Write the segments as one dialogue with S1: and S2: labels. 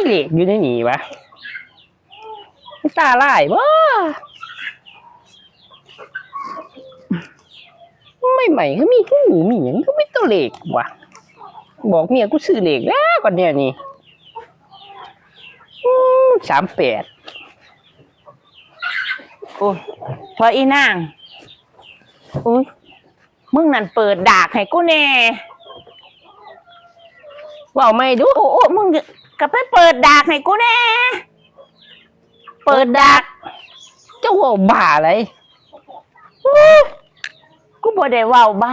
S1: เหล็กอยู่ในนี่วะตาลายบ่ไม่ใหม่ก็มีกูมีอย่างก็ไม่ตัวเหล็กวะบอกเมียกูซื้อเหล็กแล้วก่อนเนี่ยนี่38
S2: โอ้พออีนางอุ้ยมึงนั่นเปิดดากให้กูแน่
S1: ว่าไม่ดู
S2: โอ้มึงก็ไปเปิดดากให้กูแน่เปิดดาก
S1: เจ้าว่าบ้าอะไร
S2: กูบ่ได้เว้าบ้า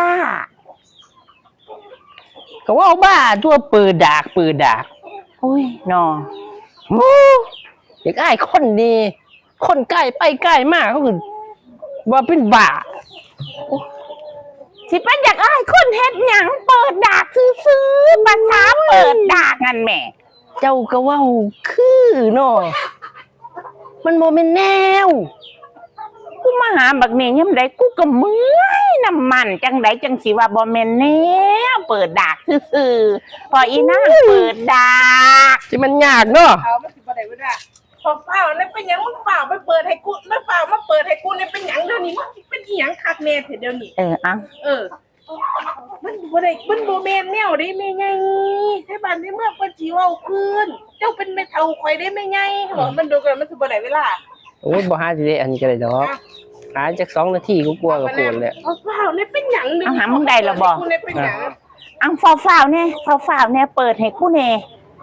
S1: ก็ว่าบ้าตัวเปิดดาก
S2: อุ้ยนอ
S1: อยากอ้ายคนดีคนใกล้ไปใกล้มากเขาคือว่าเป็นบ้า
S2: สิเป็นอยากอ้ายคนเฮ็ดหยังเปิดดากซื้อภาษาเปิดดากนั่นแหม่
S1: เจ้าก็ว่าคือเนาะมันบ่แม่นแนว
S2: กูมาหาบักนี่ยามใดกูก็เมื่อยน้ำมันจังไดจังสิว่าบ่แม่นแนวเปิดดากซื่อพออีนางเปิดดาก
S1: สิมันยากเนาะ
S3: เอามันสิบ่ได้บ่ได้พอเฝ้าแล้วเป็นหยังมึงเฝ้าไปเปิดให้กูแล้วเฝ้ามาเปิดให้กูเนี่ยเป็นหยังเดี๋ยวนี้มันเป็นอีหยังคักแน่เถอะเดี๋ยวนี้
S2: อ่ะ
S3: มันบ่ได้มันบ่แม่นแนวได้แม่ไงไทบ้านในเมืองเพิ่นสิเว้าคืนเจ้าเป็นแม่เฒ่าข่อยได้แม่ไงบอกมันดูกันมันสิบ่ได้เวลา
S1: โอ้ยบ่หาสิได้อันนี้ก็ได้ดอกหาจัก2 นาทีกูกลัวก็โกนแหละ
S3: เฝ้าเนี่ยเป็นหยังเดี๋ยว
S2: นี้มึงได้แล้วบ่
S3: กูเนี่ยเป็นหยัง
S2: เฝ้าแน่เปิดให้กูแน่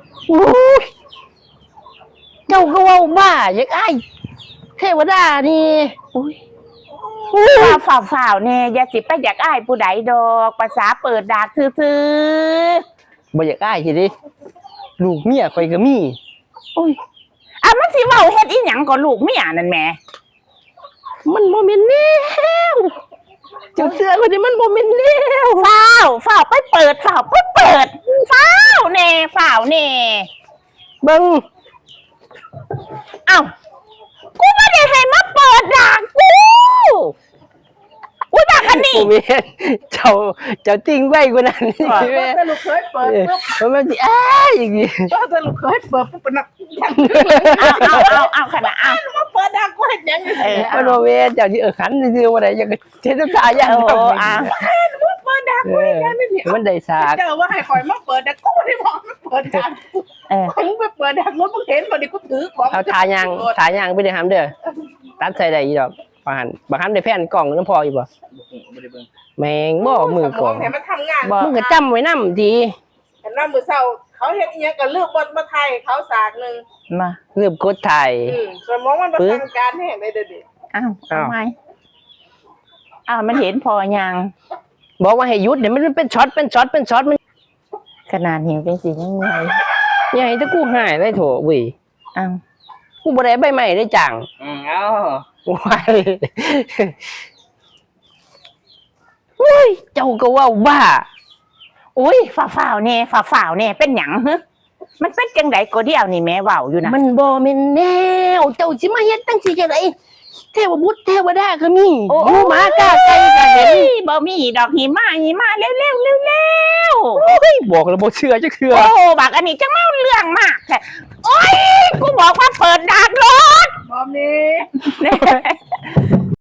S1: เจ้าก็ว่าบ้าอยากอ้ายเทวดานี่
S2: ฝ่าวเนี่ยอย่าสิไปอยากอ้ายผู้ใดดอกภาษาเปิดดากซื่อ
S1: บ่อยากอ้ายสิดิลูกเมียข่อยก็มี
S2: มันสิเว้าเฮ็ดอีหยังก็ลูกเมียนั่นแหม
S1: มันบ่แม่นแนวเจ้าเสือคนนี้มันบ่แม่นแนว
S2: ฝ่าวไปเปิดฝ่าวแน่
S1: เบิ่ง
S2: กูไม่ได้ให้มาเปิดด่างกูด่ากันนี่
S1: เจ้าติ้งไว้กูนั่นนี่
S3: แต่ลูกเคยเปิดปุ๊บ
S1: มันสิอย่างนี้
S3: แต่ลูกเคยเปิดปุ๊บเป็นนัก
S2: เอาขนาด
S3: มาเปิดด่างกูเห็นยัง
S1: มันโมเมเจ้าที่ขันซื่อว่าได้ยังเทศกาลอย่าง
S3: เปิดด่างกูเห็นยังนี่
S1: มันได้สาก
S3: เจ้าว่าให้คอยมาเปิดด่างกูได้บอกมาเปิดด่างมึงไปเปิดด่างรถมึงเห็นบ่ดิกูถือของ
S1: เอาทายางไปได้ห้ามเด้อตัดใส่ได้อีดอกบางครั้งได้แผ่นกล่องน้ำพออยู่บ่แมงบ่มือกล่องมึงก็จำไว้นำดี
S3: เห็นว่ามือเศร้าเขาเห็นอีหยังก็เลือกบทมาไทยเขาสากนึง
S1: มาเลือกกดไทย
S3: สมองมันประสานการแห่งได้เด้อ
S2: ทำไมมันเห็นพอยัง
S1: บอกว่าให้หยุดเดี๋ยวมันเป็นช็อตมัน
S2: ขนาดเห็นเป็นสียังไง
S1: ใหญ่ถ้ากูหายได้โถเว้ยกูบ่ได้ใบใหม่ได้จังว้ายเจ้าก็ว่าบ้า
S2: ฝ่าวเนี่ยเป็นหยังมันเป็นจังไดก็เดียวนี่แม่เว้าอยู่นะ
S1: มันบ่แม่นแนวเจ้าสิมาเฮ็ดจังซี่จังได๋เทวบุตรเทวดาก็มีหมูหมากาไก่ก็เห็น
S2: บ่มีดอกหิมะเร็ว
S1: บอกแล้วบ่เชื่อจักเทื่อ
S2: บักอันนี้จังเมาเรื่องมากแท้กูบอกว่าเปิดดากรถ
S3: บ่มี